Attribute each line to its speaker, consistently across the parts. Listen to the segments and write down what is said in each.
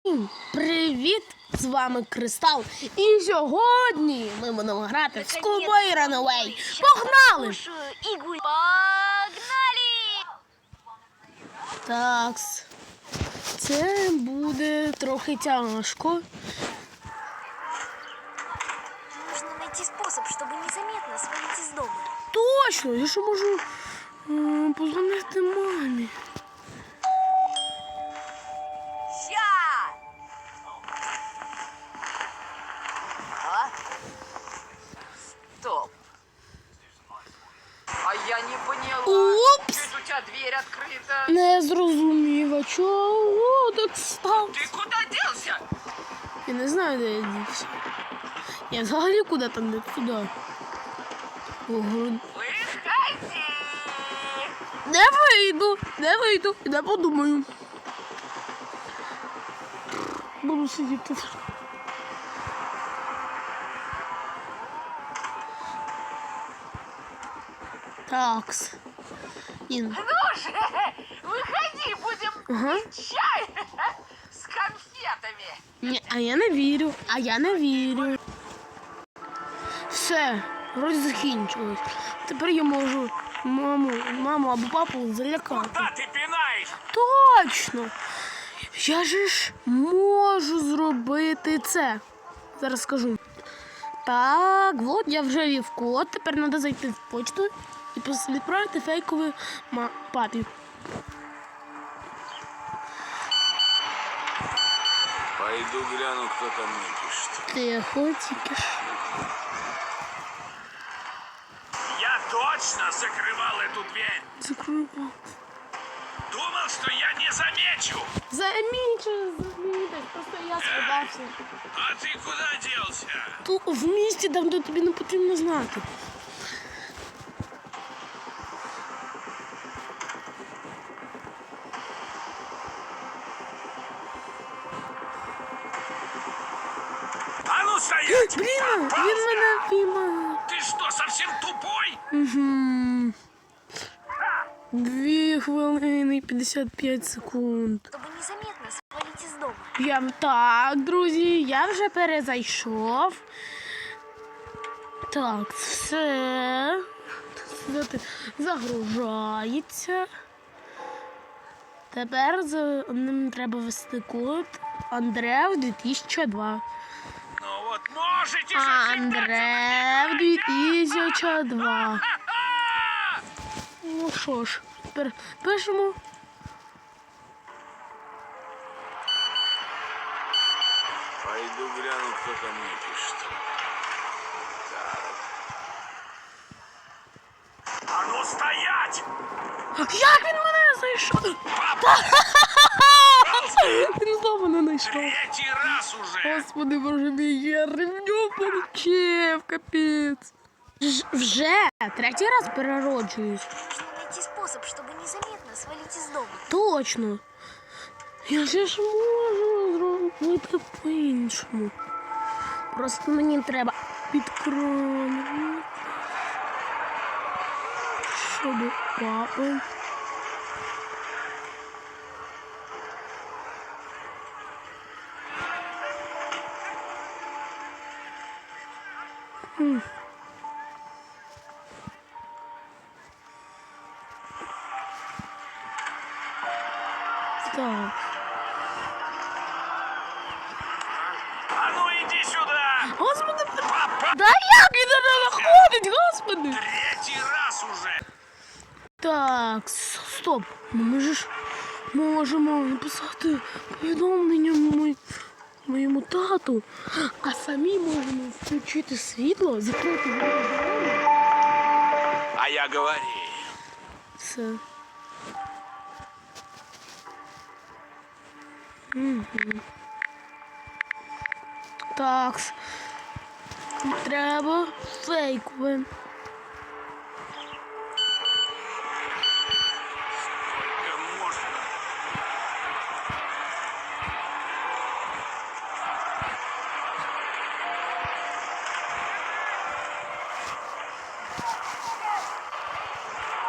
Speaker 1: Привіт! З вами Кристал. І сьогодні ми будемо грати в Schoolboy Runaway. Погнали!
Speaker 2: Погнали!
Speaker 1: Такс. Це буде трохи тяжко.
Speaker 2: Нужно найти способ, чтобы незаметно свалить из дома.
Speaker 1: Точно! Я ще можу позвонити мамі.
Speaker 2: Ща!
Speaker 3: Стоп. А я не поняла.
Speaker 1: Упс!
Speaker 3: Чуть у тебя дверь открыта.
Speaker 1: Не зрозумів, а чого так став?
Speaker 3: Ты куда делся?
Speaker 1: Я не знаю, де я дівся. Я взагалі куди там не туди.
Speaker 3: Выходи.
Speaker 1: Не вийду, не подумаю. Буду сидіти. Такс.
Speaker 3: Ну же, выходи, будем пить чай с конфетами.
Speaker 1: Ні, а я не вірю. Все, вроді закінчилось. Тепер я можу маму або папу залякати.
Speaker 3: Куда ты пинаешь?
Speaker 1: Точно! Я ж можу зробити це. Зараз скажу. Так, от я вже ввів код. Тепер треба зайти в почту і відправити фейковий папі.
Speaker 4: Пойду гляну, кто там мне пишет.
Speaker 1: Тихо, тільки ж.
Speaker 4: Я точно закрывал эту дверь.
Speaker 1: Закрою.
Speaker 4: Думал, что я не замечу.
Speaker 1: Замінчу, просто я сховався.
Speaker 4: А ты куда делся?
Speaker 1: Тут в місті, там, де тобі не потрібно знати.
Speaker 4: А ну стоять!
Speaker 1: Блін, він мене піймав.
Speaker 4: Ты что, совсем тупой?
Speaker 1: Угу. 2 хвилини і 55 секунд.
Speaker 2: Чтобы незаметно свалить из дома.
Speaker 1: Так, друзі, я вже перезайшов. Так, все. Загружається. Тепер за ним треба ввести код Андрев 2002.
Speaker 4: Ну вот можете же
Speaker 1: Андрев 2002. Ну що ж, тепер пишемо.
Speaker 4: Пойду гляну, кто там мне пишет. А ну стоять!
Speaker 1: Як він мене знайшов? Він знову мене знайшов.
Speaker 4: Третий раз уже!
Speaker 1: Господи, боже мій, я ревню получив, капець. Вже третій раз перероджуюсь.
Speaker 2: Нужно найти способ, чтобы незаметно свалить из дома.
Speaker 1: Точно. Я ж можу зробити по-іншому. Просто мені треба підкронити. Щоб папа. Так.
Speaker 4: А ну иди сюда!
Speaker 1: Господи,
Speaker 4: Папа!
Speaker 1: да як він не знаходить, господи!
Speaker 4: Третий раз уже!
Speaker 1: Так, стоп. Ми ж можемо написати повідомлення моєму тату, а самі можемо включити світло, закрити двері.
Speaker 4: А я говорил.
Speaker 1: Все. Угу. Так. Треба фейкове.
Speaker 4: Сколько можно?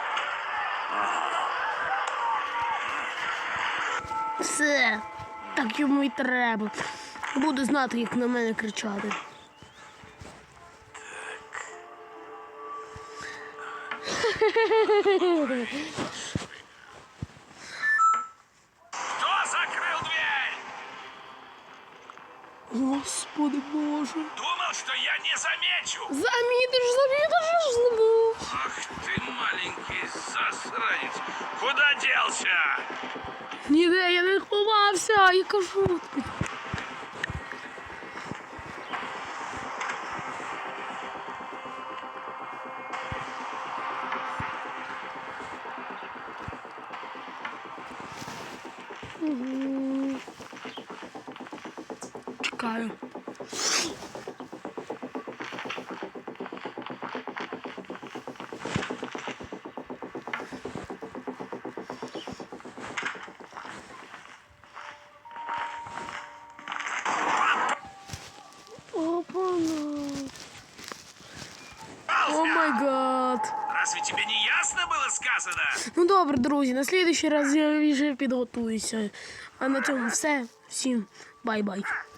Speaker 1: Все. Так, як йому і треба. Буде знати, як на мене кричати.
Speaker 4: Кто закрыл дверь?
Speaker 1: Господи Боже.
Speaker 4: Думал, что я не замечу.
Speaker 1: Замітиш, забув.
Speaker 4: Ах ты маленький засранец. Куда делся?
Speaker 1: Ніде я не ховався, я кажу тобі. Чекаю. О май гад.
Speaker 4: Разве тебе не ясно было сказано?
Speaker 1: Ну добре, друзі, на слідуючий раз я вже підготуюся. А на цьому все. Всім бай-бай.